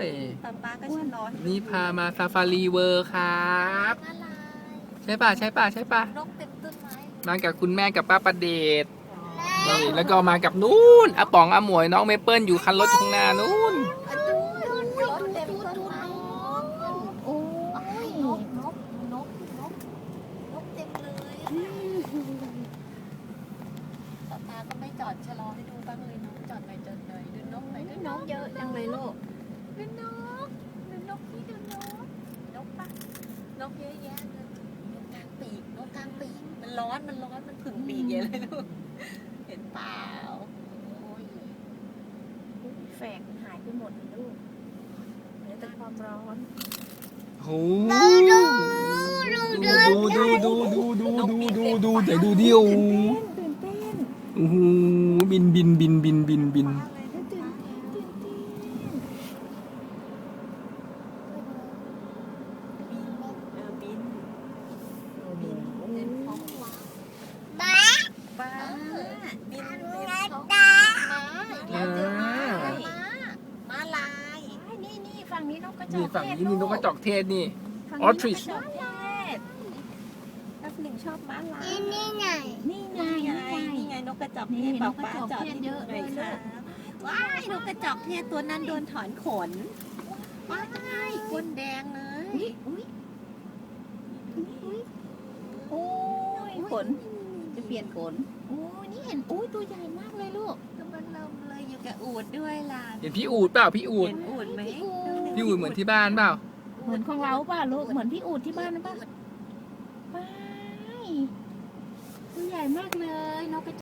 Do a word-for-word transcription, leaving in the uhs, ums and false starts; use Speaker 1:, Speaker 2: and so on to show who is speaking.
Speaker 1: ย
Speaker 2: ป๊าป๊าก็ชะลอให้
Speaker 1: นี่พามาซาฟารีเวิร์ครับใช่ป่ะใช่ป่ะใช่ป่ะ
Speaker 2: นกเต็มต้นไม้
Speaker 1: มากับคุณแม่กับป้าประเดชนี่แล้วก็มากับนู้นอาป๋องอาหมวยน้องเมเปิลอยู่คันรถข้างหน้านู้น
Speaker 2: อะดูรถเต็มต้นไม้โอ้ยนกนกนกนกนกเต็มเลยป๊าป๊าก็ไม่จอดชะลอให้ดูบ้างเลยนกจอดหน่อยจอดหน่อยดูนกหน่อยดูนกเยอะจังเลยลูกดูนกดูนกนี่ดูนกนกปะนกเยอะแยะเลยนกกลางปีกนกกลางปีกมันร้อนมันร้อนมันผึ่งปีกเยอะเลยลูกเห็นเปล่าโอ้ย
Speaker 3: แฝกมันหายไปหมดเลยลูกเหลือแต่ความร้อน
Speaker 1: โอ้ดูดูดูดูดูดูดูดูดูแต่ดูดิโอ้
Speaker 3: ตื่นเต้น
Speaker 1: โอ้โหบินบินบินบินบินบิน
Speaker 3: ตื่นเต้นตื่นเต้น
Speaker 2: เออบินบินเล่นท้องฟ้า
Speaker 3: บ้า
Speaker 2: บ้าบินเล่นท้องฟ้าม้าอีกแล้วเจอม้าม้าม้าลาย
Speaker 3: นี่นี่ฝั่งนี้นกกระจอก
Speaker 1: นี่ฝั่งนี้นี่นกกระจอกเทศนี่
Speaker 3: ฝั่ง
Speaker 1: ออทริช
Speaker 3: นกกระจอกเทศ
Speaker 2: แป๊บหนึ่งชอบม้าลาย
Speaker 3: นี่ไง
Speaker 2: นี่ไงนี่ไงนกกระจอกเทศบอกป้าจอดให้ดูหน่อยค่ะว้ายนกกระจอกเทศตัวนั้นโดนถอนขนว้ายก้นแดงเลย
Speaker 3: อุ้ยอุ้ยอุ้ยโอ้ยขนจะเปลี่ยนขนโอ้ยนี่เห็นอุ้ยตัวใหญ่มากเลยลูก
Speaker 2: ก็มันเริ่มเลยอยู่กับอูดด้วยล่ะ
Speaker 1: เห็นพี่อูดเปล่าพี่อูด
Speaker 2: เห็นอูดไหม
Speaker 1: พี่อูดเหมือนที่บ้านเปล่า
Speaker 3: เหมือนของเราป่ะลูกเหมือนพี่อูดที่บ้านนะป่ะไปตัวใหญ่มากเลยนกกระ